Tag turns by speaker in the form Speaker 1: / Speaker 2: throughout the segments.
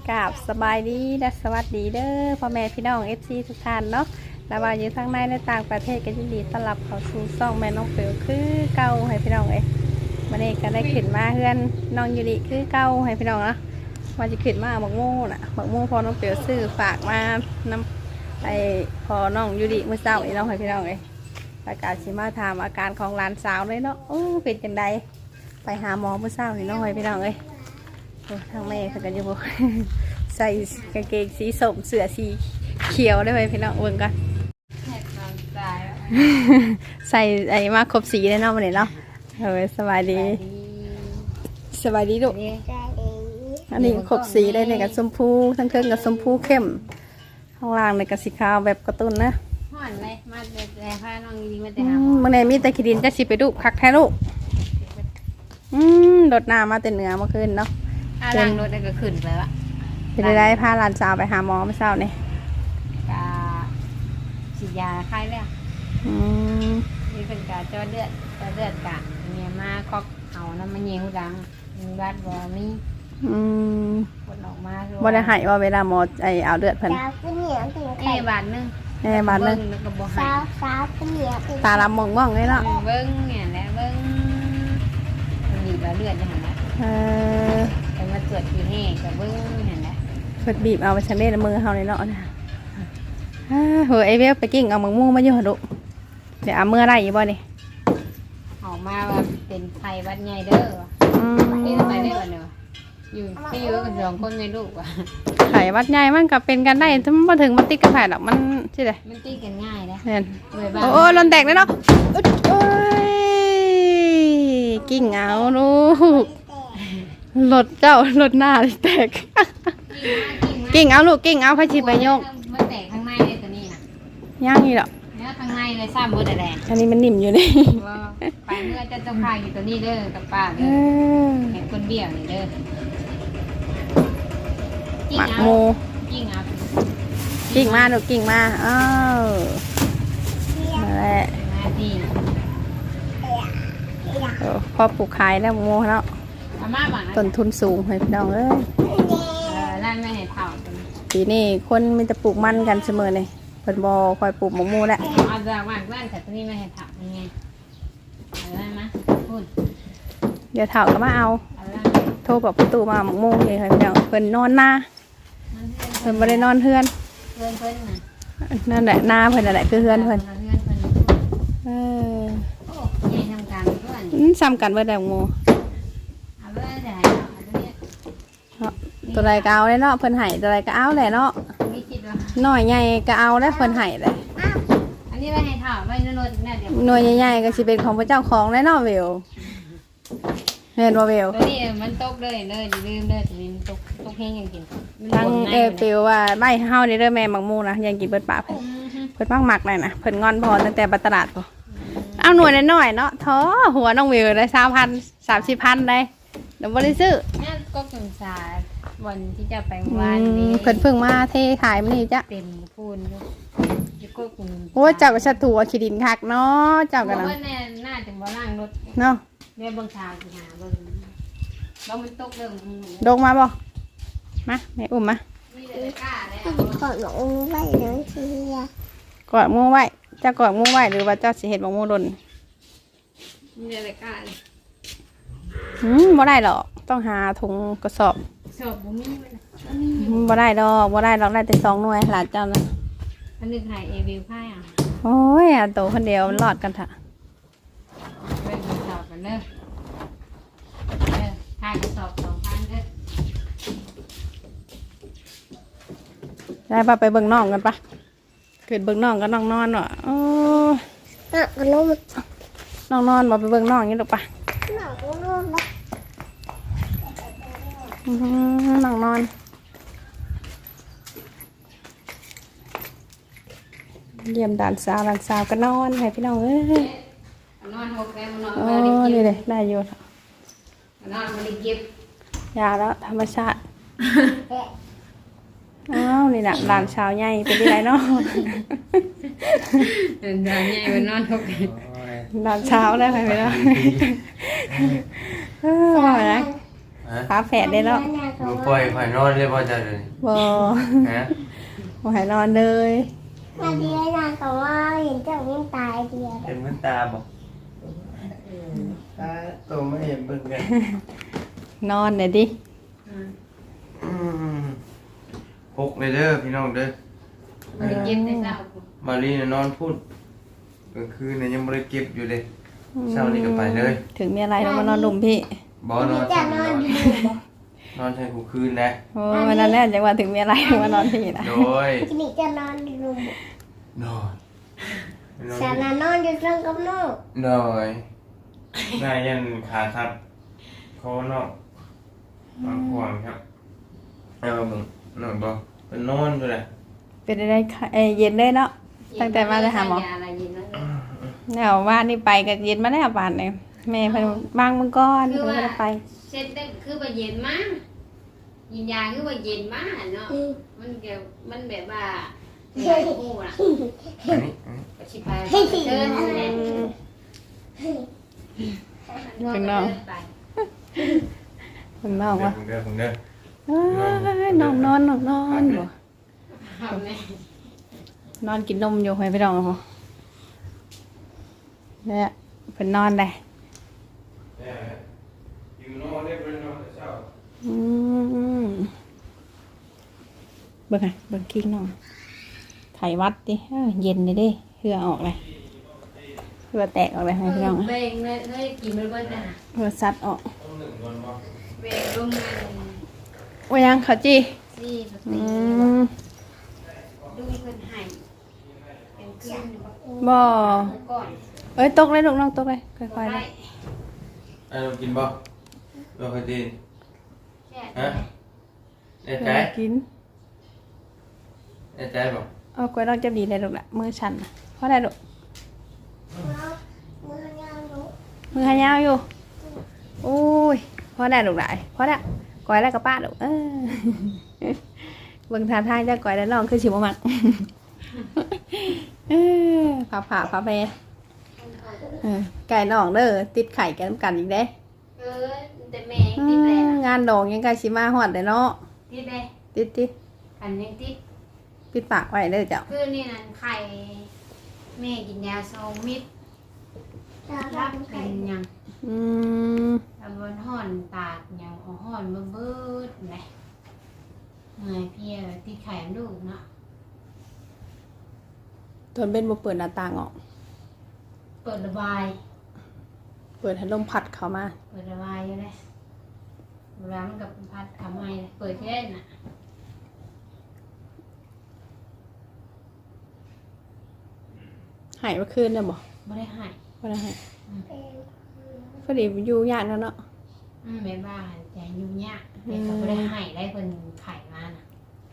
Speaker 1: กราบสบายดีและสวัสดีเด้อพ่อแม่พี่น้อง FC ทุกท่านเนาะและว่าอยู่ทั้งในและต่างประเทศก็ยินดีต้อนรับเข้าสู่ช่องแม่น้องเปียวคือเก่าให้พี่น้องวันนี้ก็ได้ขึ้นมาเพื่อนน้องยูริคือเก่าให้พี่น้องเนาะว่าจะขึ้นมาบักโม่น่ะบักโม่พอน้องเปียวซื้อฝากมานำไปพอน้องยูริเมื่อเช้าน้องให้พี่น้องประกาศสิมาถามอาการของหลานสาวเลยเนาะเป็นจังใดไปหาหมอเมื่อเช้านี่น้องให้พี่น้องทางแม่เขาก็จะบอก ใส่กางเกงสีส้มเสื้อสีเขียวได้ไหมพี่น้องเบิ่งกัน ใส่ไอ้มาครบสีได้เนาะมันเนาะสบายดีสบายดีลูกอันนี้ครบสีได้ในกับชมพูทั้งเครื่องกับชมพูเข้มข้างล่างในกับสีขาวแบบกระตุ้นนะ
Speaker 2: ห่อนเลยมาแต่ผ้าน้องดีมาแต่หา
Speaker 1: เมื่อไหร่มีแต่ขีดินจะสิไปดูคักแท้ลูกรถน้ำมาแต่เหนือเมื่อคืนเนาะ
Speaker 2: ล้างรถได้ก็ขึ้นไปละ
Speaker 1: เป็นได้พาหลานสาวไปหาหมอเมื่อเช้านี่
Speaker 2: กาฉีดยาคลายแล้วนี่เป็นกาเจาะเลือดกะเนี่ยมาคอกเอาน้ำมันเยี่ยวดังมีวัดบ่มีคนออกมา
Speaker 1: บ่ได้หายว่าเวลาหมอเอาเลือดเพิ่น
Speaker 2: บาทนึง
Speaker 1: บาทนึงตาลำมองเลยเนาะ
Speaker 2: เบิ้งเนี่ยแหละเบิ้งบีบเลือดอย่างนั้นแต่มาตรวจทีนี่กับเบิ้งเนี่ยแหละ
Speaker 1: เพิ่นบีบเอาไปชันเล่นมือเฮาเลยเนาะเฮ้ยไอเวลไปกิ้งเอาหมึกมูมาอยู่หดุเดี๋ยวเอามือได้ยี่บ่นี่
Speaker 2: ออกมาว่าเป็นไข้วัดใหญ่เด้อนี่ทำไมได้บ่เนาะอยู่ที่อยู่กับสองคนในลูกว่ะ
Speaker 1: ไข้วัดใหญ่มันก็เป็นกันได้ถ้ามาถึงมันติดกับไผ่หรอกมันใช่ไหม
Speaker 2: มันติดกันง่ายนะ
Speaker 1: เห็นโอ้ลนแตกเลยเนาะโอ้ยกิ้งเอาลูกรถเจ้ารถหน้าแตกกิ้งเอาลูกกิ้งเอาพระชิไปโยก
Speaker 2: มันแตกข้างในเลยตัวนี้นะ
Speaker 1: ย่างนี่หรอ
Speaker 2: เนี่ยข้างในเลยซ้ำบดแดง
Speaker 1: อันนี้มันนิ่มอยู่นี่
Speaker 2: ไปเมื่อจะพายอยู่ตัวนี้เด้อกับป้าเด้อเห็นคนเบี้ยวนี่เด้อ
Speaker 1: หมักโมกิ้งมาลูกกิ้งมามาแล้วพอปลูกขายแล้วโมเนาะต้นทุนสูงให้พี่น้อง
Speaker 2: ร้านไม่ให้เผา
Speaker 1: ปีนี้คนมันจะปลูกมันกันเสมอเลยเพิ่นบ่คอยปลูกหมกมูแหละ
Speaker 2: เอาจากบ้านแต่ตัวนี้ไม่ให้เผายังไงอะไรมาพูด
Speaker 1: เดี๋ยวเผาก็มาเอาโทรบอกประตูมาหมกมูเลยค่ะพี่น้องเพิ่นนอนหน้าเพิ่นบ่ได้นอนเฮือนนั่นแหละหน้าเพิ่นนั่นแหละคือเฮือนเพิ่นซ้ำกันเบิดแล้วหมูตัวใดก็เอาเลยเนาะเพิ่นไห้ตัวใดก็เอาแหละเนาะหน่อยใหญ่ก็เอาแล้วเพิ่นไห้เลย
Speaker 2: อันนี้ไม่ให้ถามไม่นวดแน่เดี๋ยว
Speaker 1: หน่วยใหญ่ๆก็สิเป็นของพระเจ้าของแล้วเนาะเวลเห็นว่าเวล
Speaker 2: ตัวนี้มันตกเลยลืมเลยตัวนี้ตกแห้งยังกิน
Speaker 1: ทั้งเปียวว่าไม่เฮานี่เด้อแม่หมักมูนะยังกินเบิดปากเพิ่นมักหมักเลยนะเพิ่นงอนพอตั้งแต่บัตรลาดพอเอาหน่วยน้อยๆเนาะท้อหัวน้องเวลได้3,000-30,000ได้เดี๋ยวบ่ได้ซื้อ
Speaker 2: เนี่ยก็สงสารวันที่จะไปวันนี้
Speaker 1: เพิ่งมาเทขายมันนี่จ้ะ
Speaker 2: เต็มพูน
Speaker 1: โอ้เจ้าก็ชัดตัวขีดินคักเนาะเจ้ากัน
Speaker 2: นะแน่น่าจะบ่ล่างรถ
Speaker 1: เนาะ
Speaker 2: เดี๋ยวบางชาวสิหาบ่มันตกเรื่อง
Speaker 1: ลงมาบ่มาแม่อุ้มมาก
Speaker 3: อดหมูไว้เลยทีเดียว
Speaker 1: กอดมูไว้จะกอดมูไว้หรือว่าเจ้าสิเห็ดหมูดน
Speaker 2: นี่เลยก้า
Speaker 1: บ่ได้หรอกต้องหาถุงกระสอบบ่ได้ดอกได้แต่2 หน่วยหลานเจ้านะ
Speaker 2: อันนึงหายวิวไพ่
Speaker 1: โอ้ยโตคนเดียวมันรอดกันเถอะ
Speaker 2: เป็นกระสอบกันเด้อถ่ายกระสอบ2,000เด้อ
Speaker 1: ได้ป่ะไปเบิ่งน้องกันป่ะเกิดเบิ่งน้องกันน้องนอนเนาะโอ้น้องนอนบ่ไปเบิ่งน้องนี่หรอกป่ะน้องนอนเยี่ยมด่านสาวก็นอนให้พี่น้อง
Speaker 2: นอน6แล้วนอน
Speaker 1: นี่เลยได้อยู่
Speaker 2: นอนมาได้เก็บ
Speaker 1: ยาแล้วธรรมชาตินี่แหละด่านสาวใหญ่เป็นที่ไรเนาะ
Speaker 2: ด่านใหญ่มันนอน6
Speaker 1: ด่านเช้าได้ไหมพี่น้องว่าไงฝาแฝดได้แล้ว
Speaker 3: Nhà
Speaker 4: บ่
Speaker 3: cậu
Speaker 4: ปล่อย
Speaker 3: ơi.
Speaker 4: ข่อยนอนเลยบ่จ้ะเดี๋ยวนี้
Speaker 1: บ่
Speaker 4: ฮะ
Speaker 1: บ่ให้นอนเลย
Speaker 3: Mà đi ở nhà cậu ơi, hiện trong em tài kìa.
Speaker 4: เห็นมันตาบ่ตาโตไม่เห็นเบิ่งกัน
Speaker 1: นอนเลยดิ
Speaker 4: พกเลยเด้อพี่น้องเด้อ
Speaker 2: มันเก็บได้เศร้า
Speaker 4: บาลีน่ะนอนพูดกลางคืนน่ะยังบ่ได้เก็บอยู่เลยเช้านี้ก็ไปเลย
Speaker 1: ถึงมีอะไรเรามานอนดุมพี่
Speaker 4: บ่นอน
Speaker 3: Đi
Speaker 4: ใช่
Speaker 3: chả
Speaker 4: นอน
Speaker 3: non đi ngủ.
Speaker 4: นอนใช่กูคืนนะ
Speaker 1: โอ้วันนั้นแหละจังว่าถึงมีอะไรเรามานอนพี่นะ
Speaker 4: โดย
Speaker 3: Đi chả non đi ngủ.
Speaker 4: นอนนอน
Speaker 3: Chả là non đi trong cốc nó.
Speaker 4: โดยนายยันขาครับคอนอกบางขวางครับเอาเบิ่งนอนบ่เป็นนอนอยู่แหละ
Speaker 1: เป็นอะไรคะเย็นเลยเนาะ ตั้งแต่มาจะหาหมอ
Speaker 2: ยอะไรเย็นแล้ว
Speaker 1: แล้วว่านี่ไปกับเย็นมาแล้วบาดเนี่ยแม่เพิ่นบางมื้อก่อนเพิ่นบ่ได้ไป
Speaker 2: เช็ดได้คือว่าเย็นมากยินยาคือว่าเย็นมากเนาะมันเกี่ยวมันแบบว่าเกี่ยวกับกูอ่ะ
Speaker 4: อันนี้
Speaker 2: ชิพายเดินเลย
Speaker 1: ข้างนอกข้างนอกวะ
Speaker 4: เด้อผมเด้อ
Speaker 1: นอนบ่
Speaker 2: เอาไหม
Speaker 1: นอนกินนมอยู่ให้พี่น้องเอาบ่เนี่ยเพิ่นนอนได้
Speaker 4: อยู่นอนได้บ่นอนแต่เช้า
Speaker 1: อืมเบิ่งไงเบิ่งกิ้งน้องไขวัดดิเย็นเลยเด้เหือออกเลยเหือแตกออกเลยให้พี่น้อง
Speaker 2: เบ่งเลยกินมันก็จะ
Speaker 1: เหือซัดออก
Speaker 4: ต้องหนึ่งวันบ่
Speaker 2: เบ่งลงมา
Speaker 1: ว่ายังเขาจี
Speaker 2: สิปก
Speaker 1: อื
Speaker 2: ติ
Speaker 1: ม
Speaker 2: ดูเพิ่นให้เป็นคืน
Speaker 1: บ่
Speaker 2: ก่อน
Speaker 1: เอ้ยตกเลยลูกน้องตกเลยค่อยๆเลย
Speaker 4: เอากินบ่บ่เคยกิน
Speaker 2: แค่
Speaker 4: ฮะแน่ใจ
Speaker 1: กิน
Speaker 4: แน่ใจบ่
Speaker 1: เอากล้วยน้องจะดีเลยลูกละมือฉันน่ะเพราะอะไรลูก
Speaker 3: Mưa nhau đủ.
Speaker 1: มือหายาวอยู่โอ้ยเพราะได้ลูกหลายเพราะได้กล้วยแล้วก็ป้าลูกเบิ่งท่าทางจะกล้วยแล้วน้องคือสิบ่มักผ่าไปไก่น้องเด้อติดไข่กันกันอีกเด้
Speaker 2: แต่แม่ติดเลยนะ
Speaker 1: งานดองยังไก่สิมาฮอดเด้อเนาะ
Speaker 2: ติดเลย
Speaker 1: ติด
Speaker 2: อันยังติด
Speaker 1: ปิดปากไว้เด้อเจ้า
Speaker 2: คือนี่นั่นไข่แม่กินยาโซมิด
Speaker 3: Chả
Speaker 2: รับ
Speaker 3: không
Speaker 2: เป็น
Speaker 3: phải.
Speaker 2: ยัง
Speaker 1: อืม
Speaker 2: ตำบลห่อนตากยังเอาห่อนมาเบิดเลยไงเพียติดไข่ลูกเนาะ
Speaker 1: ตอนเป็นบ่เปิดหน้าต่างออก
Speaker 2: เปิดระบาย
Speaker 1: เปิดให้ลมพัดเข้ามา
Speaker 2: เปิดระบายอยู่เลยเวลามันกับพัดทำไมเปิดที่ได้น่ะ
Speaker 1: หายเมื่อคืนเนี่ยบ่
Speaker 2: ไม่ได้ใหาย
Speaker 1: บ่ได้หายพอดีอยู่ยากแล้วเนาะ
Speaker 2: แม่บ้านแต่ยุ่งยากแต่ก็ไม่ได้ใหายได้คนไข่มาน่ะ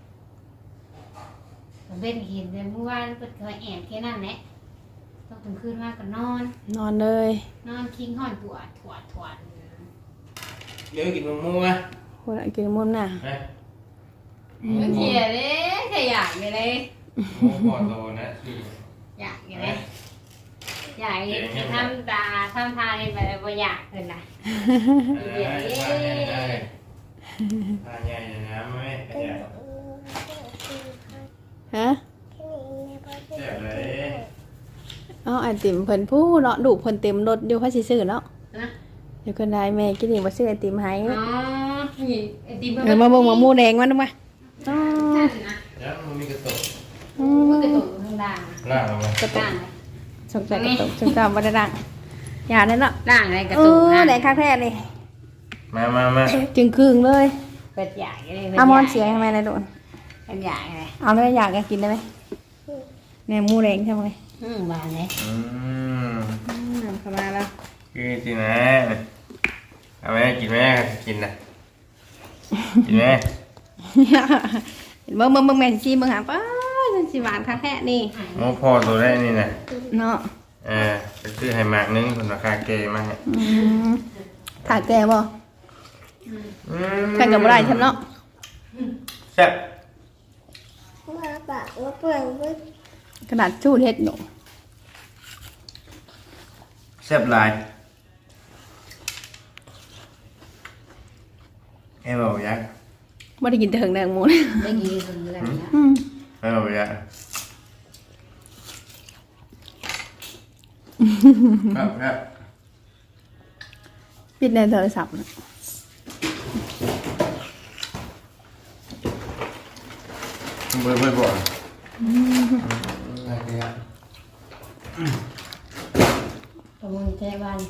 Speaker 2: ผมเป็นเห็นแต่เมื่อวานเปิดเคยแอบแค่นั้นแหละต้องถึงคืนมากก็นอน
Speaker 1: นอนเลย
Speaker 2: นอนคิงห่อนถวด
Speaker 4: เดี๋ยวกินมะม่วงอ่ะ
Speaker 1: คนละกินมุมน่ะ
Speaker 4: นะ
Speaker 2: บางทีเลยขยะไปเลย
Speaker 4: มะม่วงพอโตนะคือ
Speaker 2: อยากอย่างไรอยากทำตาทำทาเลยแบบว่าอยากเลยนะ
Speaker 4: ทานใหญ่นะแม่ขยะ
Speaker 1: ฮะ
Speaker 4: แซ่บเลย
Speaker 1: เอาไอติมเพิ่นผู้เนาะดูเพิ่นเต็มรถอยู่พาสิซื้อเนาะ
Speaker 2: นะ
Speaker 1: เดี๋ยวคนได้แม่กินนี่บ่ซื้อไอติมให้
Speaker 2: อ๋อนี่ไอติม
Speaker 1: มาเบิ่งมะม่วงแดงมันดูมาอ๋อ
Speaker 2: นะ
Speaker 4: แล้วมันมีกระตุก
Speaker 2: มันกระตุกข้างล่าง
Speaker 4: ล่างลงมา
Speaker 1: กระตุก
Speaker 2: ล่าง
Speaker 1: สงสัยกระตุกสงสัยบ่ได้ดังอย่าเลยเนาะ
Speaker 2: ล่างอะไรกระ
Speaker 1: เอ
Speaker 2: ตุก
Speaker 1: อ
Speaker 2: นะ
Speaker 1: แดงคักแท้นี่
Speaker 4: มา
Speaker 1: จึงครึ่งเลย
Speaker 2: เป็ดใหญ่เลย
Speaker 1: เอามอนเสียทำไมนะโดน
Speaker 2: เป็นใหญ่เลย
Speaker 1: เอาเลยอยากจะกินได้ไหมเนี่ยหมูแดงใช่ไหม
Speaker 2: บานเลย
Speaker 1: เข้ามาแล้ว
Speaker 4: คือสินะเอาไหมกินไหมกินนะกินไหม
Speaker 1: เบิ่งแม่ชีเบิ่งหาป้าจังสิหวานคักแท้นี่
Speaker 4: โอ้พอตัวได้นี่นะ
Speaker 1: เนาะ
Speaker 4: ไปซื้อให้หมากนึงคนราคาเกมาให้
Speaker 1: ถ่ายแก่บ่แข่งกับบ่ได้ฉันเนาะ
Speaker 4: แซ่บ
Speaker 3: Mà bảo nó phường với
Speaker 1: กระดาษชูดเฮ็ดอยู่
Speaker 4: แซ่บหลาย em bảo vậy
Speaker 1: บ่ได้กินแต่เหิงแดงหมู
Speaker 2: ได้กินคนเดือนแล้ว
Speaker 4: em bảo vậyครับ
Speaker 1: ปิดในโทรศัพท์น่ะ
Speaker 4: mới bỏ này kìa
Speaker 2: ประมูลแจ้บ้าน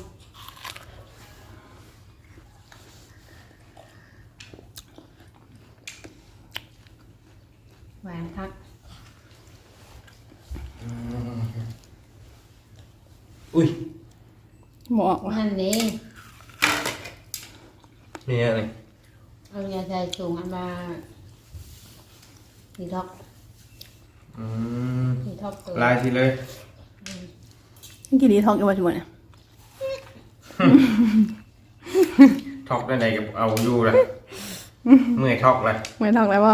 Speaker 2: หวานคัก
Speaker 4: ui
Speaker 1: บ่ออกว่ะ
Speaker 2: นั่นเอง
Speaker 4: nè này
Speaker 2: เอายาใจสูงอันมาดีท็อกดีท็อกตัว
Speaker 4: like thì lên
Speaker 1: กินดีท้องอยู่ว่าจังเนี่ย
Speaker 4: thọc cái này cái ầu du rồi người thọc này
Speaker 1: ไม่ท้องแล้วบ่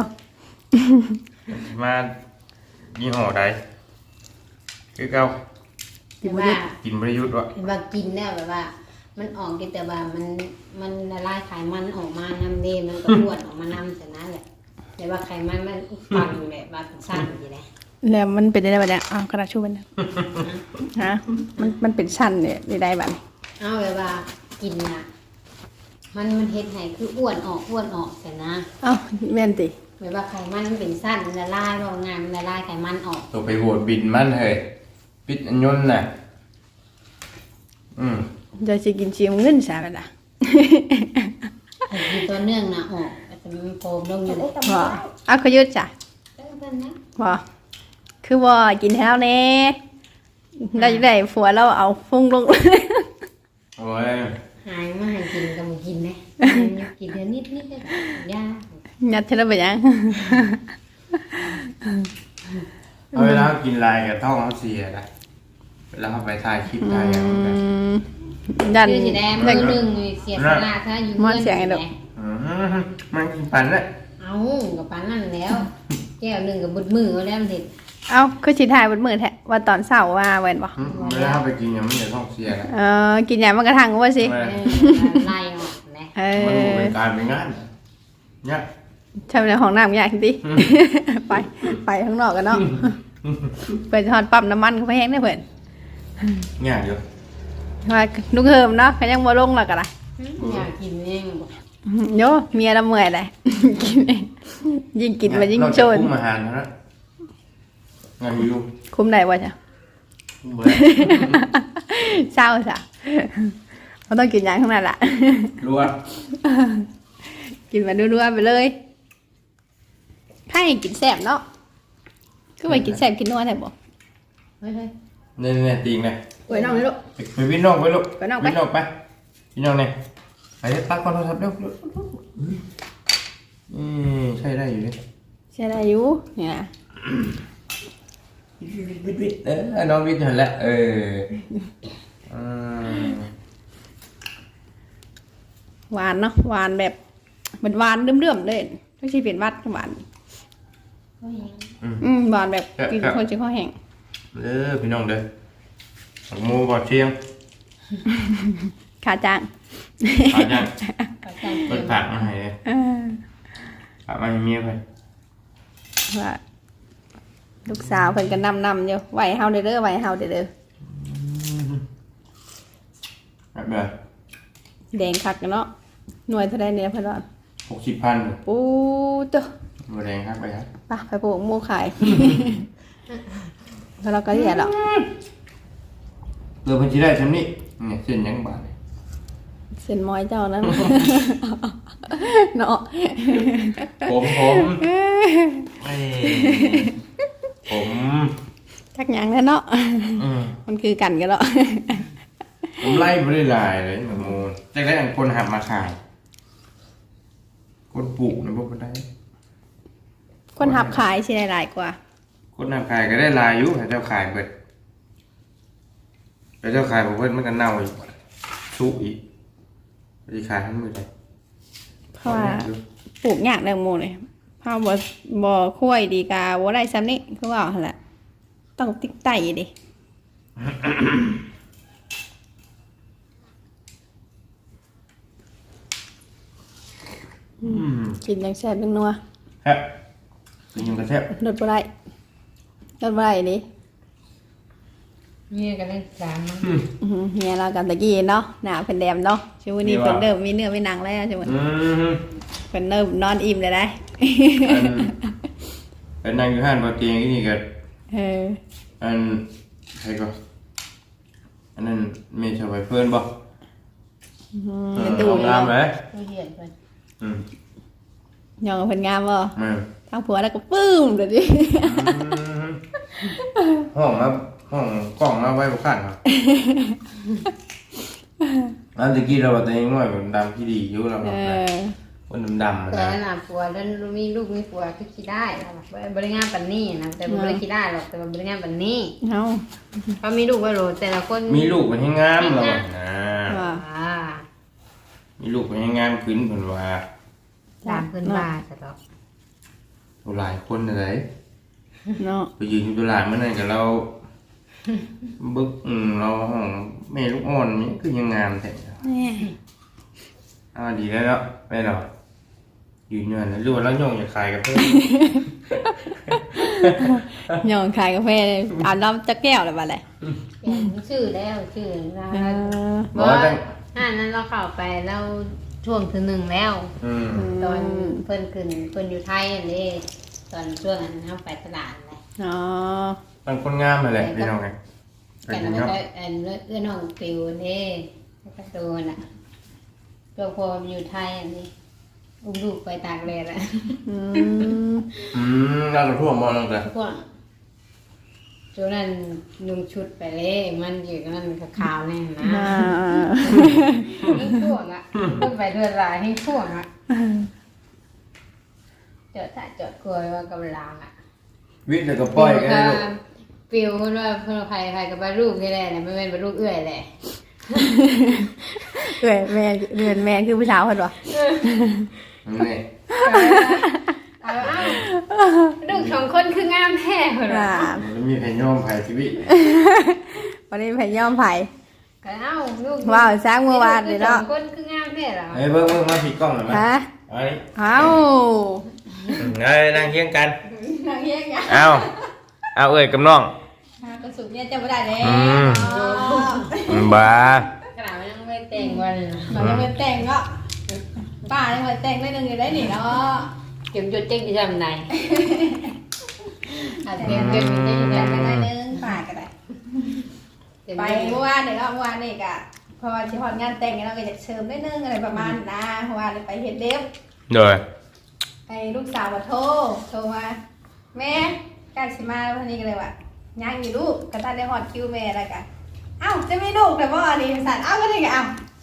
Speaker 4: màยี่ห้อใดคือเก่า
Speaker 2: แต่ว่า
Speaker 4: กินประยุทธ์วะ
Speaker 2: เห็นว่ากินแล้วแบบว่า มันออกกินแต่ว่ามันละลายไขมันออกมาน้ำเดมันก็บ้วนออกมาน้ำแต่นั้นแหละแต่ว่าไขมันมันฟังแบบว่าสั้นอยู่เลย
Speaker 1: แล้วมันเป็นได้บัดเนี่ยอ้าวกระดาษชูมันนะฮะมันเป็นชั้นเนี่ยได้บัดนี้
Speaker 2: เอาแบบว่ากินอ่ะมันเฮ็ดให้คืออ้วนออกแต่นะ
Speaker 1: เอ้าแม่นติ
Speaker 2: แบบว่าไขมันมันเป็นสั้นมันละลายว่างานมันละลายไขมันออก
Speaker 4: ตัวไปโหวตบินมันเฮ้ยปิดอันยนต์น่ะ
Speaker 1: เดี๋ยวสิกินชิมเงินซะบัดน่ะ
Speaker 2: แต่คือตัวเนื่องนะออกแต่มันโฟมลงอยู่เลย
Speaker 1: บ่เอาขยุดจ้ะ
Speaker 2: เป็นนะ
Speaker 1: บ่คือบ่กินให้เราแน่เราจะได้ผัวเราเอาฟุ้งลง
Speaker 4: โอ้ย
Speaker 2: หายมาให้กินก็มากินนะกินเดี๋ยวนิดก็ยา
Speaker 1: ยัดเท่าไปยัง
Speaker 4: เอาเวลากินลายกับท้องเขาเสียนะเวลาเขาไปถ่ายคลิปถ่ายอย่างนั้น
Speaker 1: ยัน
Speaker 2: คือสีแดงมือหนึ่งเสียสละถ้าอยู่
Speaker 1: มันเสียงไอ้ดอก
Speaker 4: มันกินปันเลย
Speaker 2: เอากับปานนั่นแล้วแก้วหนึ่งกับบุดมือเอาแล้วมันเห็ด
Speaker 1: เอ้าคือสิถ่ายบนมือแท้ว่าตอนเช้าว่าเว้นบ่
Speaker 4: เวลาเขาไปกินอย่างมันจะท้องเสียนะ
Speaker 1: กินหยังมันกระทั่งว่าสิ
Speaker 2: ไล่ออกนะ
Speaker 4: มันเป็นการเป็นงานเนี่ย
Speaker 1: ใช่ในห้องน้ำยากจริงๆไปข้างนอกกันเนาะเปิดทอดปั๊มน้ำมันเขาไปแห้งได้เพิ่น
Speaker 4: เนี่ยเดี๋ยว
Speaker 1: ว่าลูกเฮิมเนาะเขายังบ่ลงแล้วก็ล่ะ
Speaker 2: อยากกินเองบอก
Speaker 1: โยเมียละเมื่อยเลย กินเองยิ่งกินมันยิ่งโจร
Speaker 4: คุ้มอาหารนะงานอยู่
Speaker 1: คุ้มได้บ่จ้ะ
Speaker 4: คุ้มเลย
Speaker 1: เศร้าจ้ะเขาต้องกินหยังข้างนั้นล่ะ
Speaker 4: รัว
Speaker 1: กินมารัวๆไปเลยถ้าให้กินแซ่บเนาะก็ไปกินแซ่บกินนัวได้บ่
Speaker 2: เฮ้ย
Speaker 4: เนี่ยตีงเลย
Speaker 1: ไว้น้องเลยลูก
Speaker 4: ไปวิ่งนอกไปลูก
Speaker 1: ไปนอกไป
Speaker 4: วิ่งนอกไปวิ่งนอกเนี่ยไปตักก่อนโทรศัพท์เร็วใช่ได้อยู่ดิ
Speaker 1: ใช่ได้อยู่เนี่ยนะ
Speaker 4: วิทน้องวิทย์เห็นแล้ว
Speaker 1: หวานเนาะหวานแบบมันหวานเรื่อมๆเลยไม่ใช่เป็นหวัดหวาน หวานแบบกินคนจะข้อแห้ง
Speaker 4: พี่น้องเด้อผักมูบอดเชียง
Speaker 1: ขาจ้าง
Speaker 4: ผักยัง
Speaker 2: ๆ
Speaker 4: เปิดผักมาให้เลยผักมาให้เมียไป
Speaker 1: ว่าลูกสาวเพิ่นก็นำอยู่ไหวเฮาเด้อไหวเฮาเด้อ
Speaker 4: แบบเบอร์
Speaker 1: แดงคักกันเนาะหน่วยเท่าใดเนี่ยเพิ่นว่า
Speaker 4: 60,000
Speaker 1: ปูตัว
Speaker 4: บะแดงครับไปครับ
Speaker 1: ไปปลูกหมูขาย แล้วเราก็เรียกหรอก
Speaker 4: เรือพันชีได้ชั้นนี้เนี่ยเส้นยังบาท
Speaker 1: เส้นมอยเจ้านั้น เนาะ
Speaker 4: ผม
Speaker 1: จักหยังแล้วเนาะมันคือกันกันเนาะ
Speaker 4: ผมไล่ไม่ได้ลายเลยหนูมูลจากได้คนหับมาขายคนปลูกนะพวกมันได้
Speaker 1: คนหับขายสิได้หลายกว่า
Speaker 4: คนหับขายก็ได้ลายอยู่แต่เจ้าขายเบิดแต่เจ้าขายผมเพิ่นมันก็เน่าอีกชุกอีกจะขายทั้งหมดเลย
Speaker 1: เพราะว่าปลูกยากแตงโมเลยเพราะบ่ค่อยดีกาบ่ได้ซ้ำนี่คือว่าหั่นแหละต้องติ๊กไต่ดิกินยังแซ่บยังนัว
Speaker 4: ครับกินยังกระแทบ
Speaker 1: รสบ่ได้รสบ่ได้นี่
Speaker 2: เนี่ยกันเล่นสามมัน
Speaker 1: เฮียเรากันตะกี้เนาะหน้าเพิ่นแดมเนาะช่วงนี้เพิ่นเริ่มมีเนื้อมีหนังแล้วช่วงนี้เพิ่นเริ่มนอนอิ่มเลยได้
Speaker 4: อันนั่งอยู่ห้านบนเตียงนี่ก็ อันใครก็อันนั้นเมย์ชาวไปเพื่อนบ่
Speaker 1: มันดู
Speaker 4: งามไหม
Speaker 2: ผู้เหี้ยนเพิ่น
Speaker 1: ยองเพิ่นงามบ่
Speaker 4: อืม
Speaker 1: ทางผัวแล้วก็ปึ้มเดี๋ยวดิ
Speaker 4: ห้องครับห้องกล้องมาไว้บุคันครับอันตะกี้เราตัวเองน้อยแบบดำที่ดีอยู่เราแบบคนดำๆ
Speaker 2: แต่
Speaker 4: นะ
Speaker 2: น่ะผัวแล้วมีลูกมีผัวคือคิดได้แล้วบริงานปันนี่นะแต่บริคิดได้หรอกแต่บริงานปันนี่
Speaker 1: เฮา
Speaker 2: เขามีลูกว่าโหลแต่ละคน
Speaker 4: มีลูกมันให้งามเรานะ
Speaker 1: ว่า
Speaker 4: มีลูกมันให้งามขึ้นเหมือนว่า
Speaker 2: ตามเพิ่นว่าจะต้อง
Speaker 4: หลายคนอะไร
Speaker 1: เนาะ
Speaker 4: ไปยืนอยู่ตลาดเมื่อไหร่กับเราบึกเราห้องแม่ลูกอ่อนนี่คือยังงามแต่
Speaker 1: นี่
Speaker 4: ดีแล้วเนาะไม่หรอกยืนยันนะรู้ว่าเราโยงอย่าขายกับเพื่อน
Speaker 1: ยองขายกาแฟอาบน้ำจักแก้วแล้วบัดเลย
Speaker 2: เปลี่ยนชื่อแล้วชื่อนะ
Speaker 4: บอกว่าตั้ง
Speaker 2: นั้นเราเข้าไปแล้วช่วงถึงหนึ่งแล้ว ตอนเพิ่นขึ้นเพิ่นอยู่ไทยอันนี้ตอนช่วงนั้นเฮาไปตลาดเลย
Speaker 1: อ๋อ
Speaker 4: ตั้งคนงามมาแหละพี่น้องไง
Speaker 2: กันแล้วก็อันเอื้อน้องปิวนี่กระตูนอ่ะตัวพออยู่ไทยอันนี้อุ้มลูกไปตากแดดอ่ะ
Speaker 4: เราก็ทั่วมองลงแต่
Speaker 2: พวกช่วงนั้นนุ่งชุดไปเลยมันอยู่กันนั่นขาวๆแน่นะให้ท่วงอ่ะต้องไปเดือนลายให้ท่วงอ่ะจอดถ้าจอดกลัวว่ากำลังอ่ะ
Speaker 4: วิทย์แล้วก็ปล่อยกันได้ลูก
Speaker 2: ปิวเพิ่นว่าเพิ่นใครกับบาลูกนี่แหละไม่เป็นบาลูกเอื้อยแหละ
Speaker 1: เอ้ยแม่เดือนแม่คือผู้สาวเพิ่นบ่
Speaker 4: นี่
Speaker 2: เอาลูกสองคนคืองามแท้เพิ่นว่า
Speaker 4: มันมีแผ่นย่อมภายชีวิต
Speaker 1: วันนี้ไผยอมไผ
Speaker 2: ก็เอาลูก
Speaker 1: ว้าวสร้างเมื่อวานเลยเนาะ
Speaker 2: สองคนคืองามแท้เหรอ
Speaker 4: เบิ้งมาผิดกล้องหน่อยไหม
Speaker 1: ฮะ
Speaker 4: ไอ้
Speaker 1: เอ้า
Speaker 4: ไงนั่งเคียงกัน
Speaker 1: นางเฮียงยัง
Speaker 4: เอาเอ้ยกับน้อง
Speaker 1: กระสุนเนี่ยจะบ่ได้แล้ว
Speaker 4: บ้าก
Speaker 2: ระดาษมันยังไม่แต่งวัน
Speaker 1: มันยังไม่แต่งเนาะป้ายังไม่แต่งได้นึงอยู่ได้นี่เนาะ
Speaker 2: เก็บจุดเจ๊งที่ทำไหนอาจจะเก็บจุดเจ๊งที่
Speaker 1: แต่ง
Speaker 2: ทำไหน
Speaker 1: ได้นึงป้าก็ได้ไปเมื่อวานเนี่ยเนาะเมื่อวานนี่ก็พอสิฮอดงานแต่งเราก็อยากเชิญได้นึงอะไรประมาณนะเพราะว่าไปเฮ็ดเล็บ
Speaker 4: โดย
Speaker 1: ไอ้ลูกสาวมาโทรมาแม่ใกล้สิมาวันนี้ก็เลยว่าย่างอยู่ลูกก็ตั้งได้ฮอดคิวแม่แล้วกันเอ้าจะไม่ลูกแต่ว่าอันนี้สั่นเอ้าก็ได้ก็เอ้า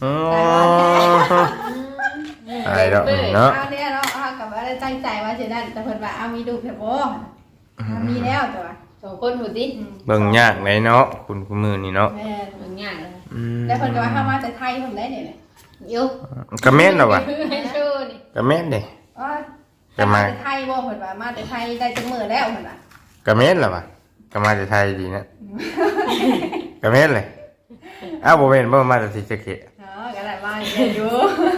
Speaker 4: อะไรดอกเนาะ
Speaker 1: เอาเนี่ยเนาะเอากับว่าได้ตั้งใจว่าจะนั่นแต่เพิ่นว่าเอามีลูกแต่บ่มีแล้วแต่ว่า
Speaker 2: สองคนหูดิ
Speaker 4: เบิ่งยากไหนเนาะคุณมือนี่เนาะ
Speaker 1: แม่
Speaker 2: มันยากเลย
Speaker 1: แล้วเพิ่นก็ว่าเฮามาแต่ไทยเพิ่นได้เนี่ย
Speaker 2: ยุบ
Speaker 4: กระเม็ดหรอวะ
Speaker 2: ให้ชูนี่
Speaker 4: กระเม็ดเด้
Speaker 1: อ๋อแต่มาแต่ไทยบ่เพิ่นว่ามาแต่ไทยได้จังมื้อแล้วเพิ่นว่าก
Speaker 4: ระเม็ดหรอวะกระมาจากไทยดีนะกระเม็ดเลยอ้าวบ่เป็นบ่มาจากศรีสะเกษ
Speaker 1: เนาะก็ได้มาอยู่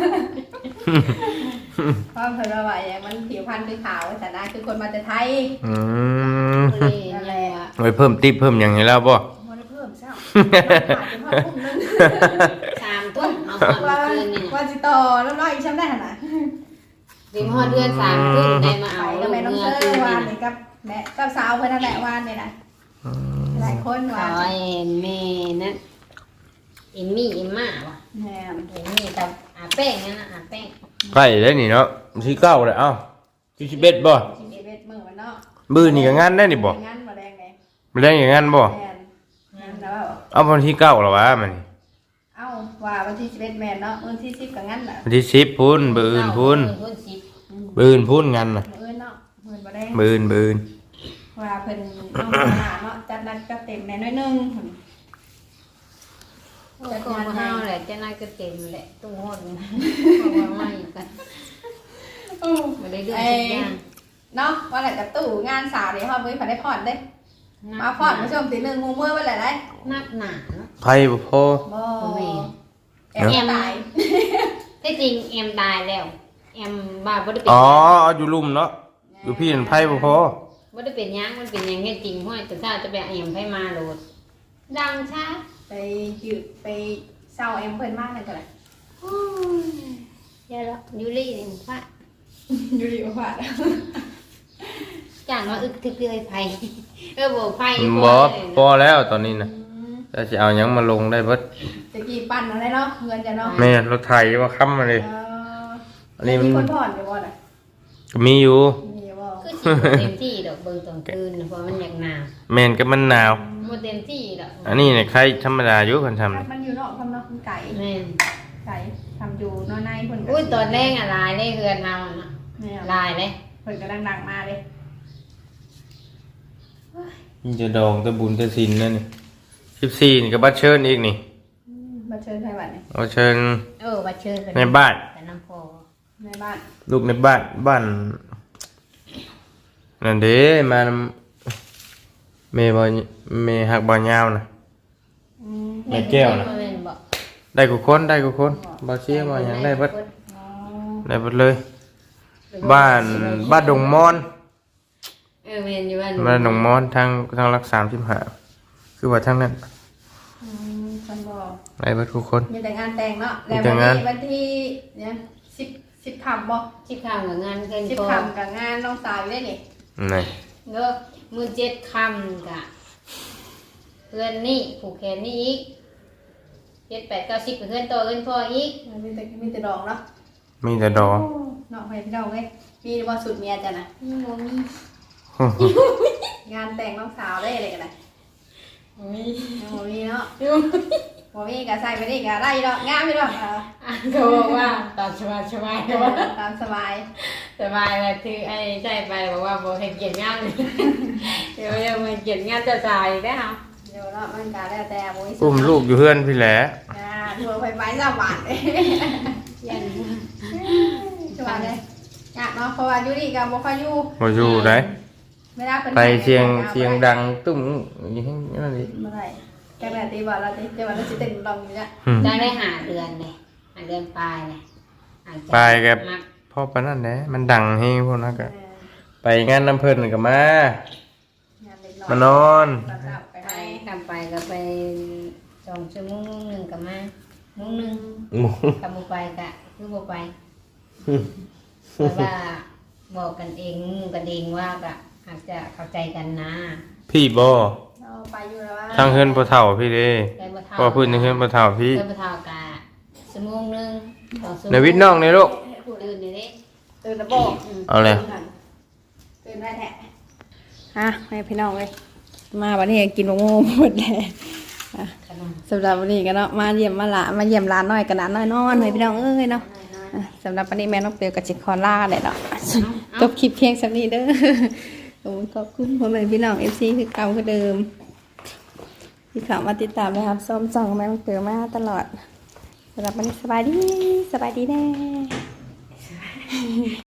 Speaker 1: เพราะเพิ่นว่าอย่างมันผิวพรรณคือขาวแต่หน้าคือคนมาแต่ไทย
Speaker 2: นี่แหละ
Speaker 4: ไว้เพิ่มติ๊บเพิ่มอย่างนี้แล้วบ่
Speaker 1: บ่ได้เพิ่มเช้าขาดจนฮอดพุ่มนึง
Speaker 2: 3 ทุ่มเอาหอด
Speaker 1: ว่า
Speaker 2: คืนนี่
Speaker 1: ว่าสิต่อน้ำน้อยอีกชั้นได้หั่นน่ะ
Speaker 2: ถึงหอดเดือน3 ทุ่มได้มา
Speaker 1: ไป
Speaker 2: เอา
Speaker 1: ก็
Speaker 2: ลูก
Speaker 1: แม่น้อง
Speaker 2: เมื่อ
Speaker 1: เซอ
Speaker 2: คืน
Speaker 1: ร์วา
Speaker 2: นี่
Speaker 1: นนี่กับแม่กับสาวเพิ่นนั่นแหละวานนี่นะหลายคน
Speaker 2: ข
Speaker 1: วา
Speaker 2: อน เห็นแม่นั่นเอ็มมี่เอ็มม่าวะ
Speaker 1: แม่น
Speaker 2: เอ็มมี่กับอาแป้งนั่นนะอาแป้ง
Speaker 4: ใกล้แล้วนี่เนาะที่เก้าเลยเอ้าที่11บ่
Speaker 1: 11มื้อวันเนาะ
Speaker 4: มื้อนี่ก็งานได้นี่บ่
Speaker 1: งานบ่แดงไง
Speaker 4: บ่ได้อย่างงั้นบ่
Speaker 1: แม่นงานแล้ว
Speaker 4: เอาวันที่9แล้ววะมันนี่
Speaker 1: เอ้าว่าวันที่11แม่นเนาะวันที่10ก็งานน่ะ
Speaker 4: วันที่10พุ่นมื้ออื่นพุ่น
Speaker 2: พุ่นสิบ
Speaker 4: มื้ออื่นพุ่นงานน่ะ
Speaker 1: มื้อเนาะมื้อบ่แดง
Speaker 4: มื้ออื่น
Speaker 1: ว่าเพิ่นเอามาหาเนาะจัดนัดก็เต็มแม่น้อยนึง
Speaker 2: จัดงานเฮาแหละจะน่าก็เต็มแหละต้องหดเพราะว่าไม่กันมาได้เดือนสิบอย่าง
Speaker 1: เนาะว่าแหละกับตู้งานสาวเดี๋ยวเฮาบ่ได้ผ่อนเด้มาผ่อนผู้ชมตี1 มื้อไว้แหละได้
Speaker 2: นักหนาเนาะ
Speaker 4: ๆไผบ่พอ
Speaker 1: บ่
Speaker 2: แม่
Speaker 1: แอบตาย
Speaker 2: ที่จริงเอ็มตายแล้วแอมบ้าบ่ได้เป็น
Speaker 4: อ๋อเอาอยู่ลุ่มเนาะอยู่พี่นั่นไพ่บ่พอ
Speaker 2: บ่ได้เป็นหยังมันเป็นหยังแค่จริงห้อยแต่ถ้าจะไปแอมไผมาโหลดดังช้า
Speaker 1: ไปยืดไปเศร้าเอ็มเพิ่นมากเลยก็เลย
Speaker 2: โอ้ยยายละยูรี่นี่ฟ้า
Speaker 1: อยู่ดีกว่า
Speaker 2: จ้างว่าอึกทึกเลยไผบ่ไผ
Speaker 4: บ่พอแล้วตอนนี้นะจะสิเอาหยังมาลงได้เบิด
Speaker 1: ตะกี้ปั่นอะไรเนาะเงินจะเนาะ
Speaker 4: แม่รถไถว่าค้ำมาเลย อันนี้มัน
Speaker 1: มีคนผ่อนอยู่บ่น่ะ
Speaker 4: ก็มีอยู่
Speaker 1: มีบ่
Speaker 2: คือสิบ่เต็มที่ดอกเบิ่งตอนคืนเพราะมันอยากหนาว
Speaker 4: แม่นก็มันหนาว
Speaker 2: บ่เต็มที่ดอก
Speaker 4: อันนี้เนี่ยใครธรรมดาอยู่คนทำ
Speaker 1: มันอยู่นอกทำเนาะมันไก่
Speaker 2: แม่น
Speaker 1: ไก่ทำอยู่นอกในเพิ่นก็
Speaker 2: อุ้ยตอนแรกอะลายเลยเฮือนเอาน่ะ
Speaker 1: เนี่ย
Speaker 2: ลายเลย
Speaker 1: เพิ่นก็ดังๆมาเลย
Speaker 4: นี่จะดองตะบุญตะสินนั่นนี่14นี่ก็บัดเชิญอีกนี่
Speaker 1: มาเชิญใครบัดนี่
Speaker 4: เอาเชิญ
Speaker 2: ว่าเชิญ
Speaker 4: ในบ้าน
Speaker 2: แต่น้ำพอ
Speaker 1: ในบ้าน
Speaker 4: ลูกในบ้านนั่นเด้มานำเมหักบ่ยาวน่ะ แม่แก้วน่ะ
Speaker 2: แม่นบ่
Speaker 4: ได้กูคนบ่เสียบ่หยังได้เบิด
Speaker 1: อ๋อ
Speaker 4: ได้เบิดเลย บ้านดงมอน
Speaker 2: แม่นอยู่บ้าน
Speaker 4: บ้านดงมอนทางรัก35คือว่าทางนั้น
Speaker 1: ฉันบอก
Speaker 4: ได้เบิดทุกคน
Speaker 1: มีแต่งานแต่งเนาะ
Speaker 4: มี
Speaker 1: แล้ว
Speaker 4: แต่งาน
Speaker 1: วันที่เนี่ย10ค่ำบ่
Speaker 2: ชิบข้าวกับงานเกิน
Speaker 1: 10
Speaker 2: พอ
Speaker 1: ค่ำกับงานน้องสาวอยู่ได้นี่
Speaker 4: นี่
Speaker 2: เด้อมือ7ค่ำกะเพื่อนนี่ผูกแขนนี่อีก7 8 9 10เพื่อนโตเพื่อนพ่ออีก
Speaker 1: มีแต่ดอกเนาะ
Speaker 4: มีแต่ดอก
Speaker 1: เนาะไปพี่น้องเอ้ยมีบ่สุดเมียจ้ะนะ
Speaker 2: บ่มี
Speaker 1: งานแต่งน้องสาวได้อะไรกันนะ
Speaker 2: บ่มี
Speaker 1: ยังบ่มีเนาะบ่มีก็ใส่ไปนี่ก็ได้ดอกงามอยู่ดอก
Speaker 2: เขาบอกว่าตามสบายสบาย
Speaker 1: ตามสบาย
Speaker 2: สบายเลยคือไอ้ใช่ไปบอกว่าบ่ให้เกียรติงานเลยเดี๋ยวมาเกียรติงานจะจ่ายได้เหรอ
Speaker 1: เดี๋ยวเนาะมันก็แล้วแต่บ่มี
Speaker 4: อุ้มลูกอยู่เฮือนพี่แหละ
Speaker 1: ทัวร์ไปสบาย
Speaker 2: ยัน
Speaker 1: สบายเลยอยากเนาะเพราะว่าอยู่นี่ก็บ่ค่อยอยู่
Speaker 4: บ่อยู่ได้
Speaker 1: เวลาเพิ่น
Speaker 4: ไปเสียงดังตุ้มอย่างนั้นนี่
Speaker 1: บ่ได้แกแม่ตีบ่เราตีว่าเราสิเต้นลองอยู่เนี่ย
Speaker 2: ได้ได้หาเดือนเลยหาเดือนปลายเลย
Speaker 4: ไปกับพ่อปานนั้นแหละมันดังเฮงพวกนั้นก็ไปงานน้ำเพิ่นก็มามานอน
Speaker 1: ไป
Speaker 2: ไปกลับไปก็ไป2 ชั่วโมงนึงกับมาโมงนึงกับบ่ไปก็คือบ่ไปแต่ว่าบอกกันเองหมู่กันเองว่าก็อาจจะเข้าใจกันนะ
Speaker 4: พี่บ่
Speaker 1: เราไปอยู่แล้วว่า
Speaker 4: ทางเฮือนบ่เฒ่าพี่เด้
Speaker 2: ได้บ่เท่า
Speaker 4: พอพื้นทางเฮือนบ่เฒ่าพี่
Speaker 2: ได้บ่เท่ากะชั่วโมงนึง2 ชั่วโมง
Speaker 4: ในวิทย์น้องนี่ลูก
Speaker 2: ตื่นนี่เด้
Speaker 1: ตื่นแล้วบอก
Speaker 4: เอาเลย
Speaker 1: ตื่นได้แท้ฮะให้พี่น้องเลยมาวันนี้กินมะม่วงหมดเลยสำหรับวันนี้ก็เนาะมาเยี่ยมร้านน้อยกันร้านน้อยนอนให้พี่น้องเอ้ยเนาะสำหรับวันนี้แม่น้องเปียวกับจิคอล่าเลยเนาะจบคลิปเพียงสักนี้เด้อขอบคุณพ่อแม่พี่น้องFCคือเก่าคือเดิมที่เข้ามาติดตามนะครับส้มส่องแม่น้องเปียวมาตลอดสำหรับวันนี้สบายดีแน่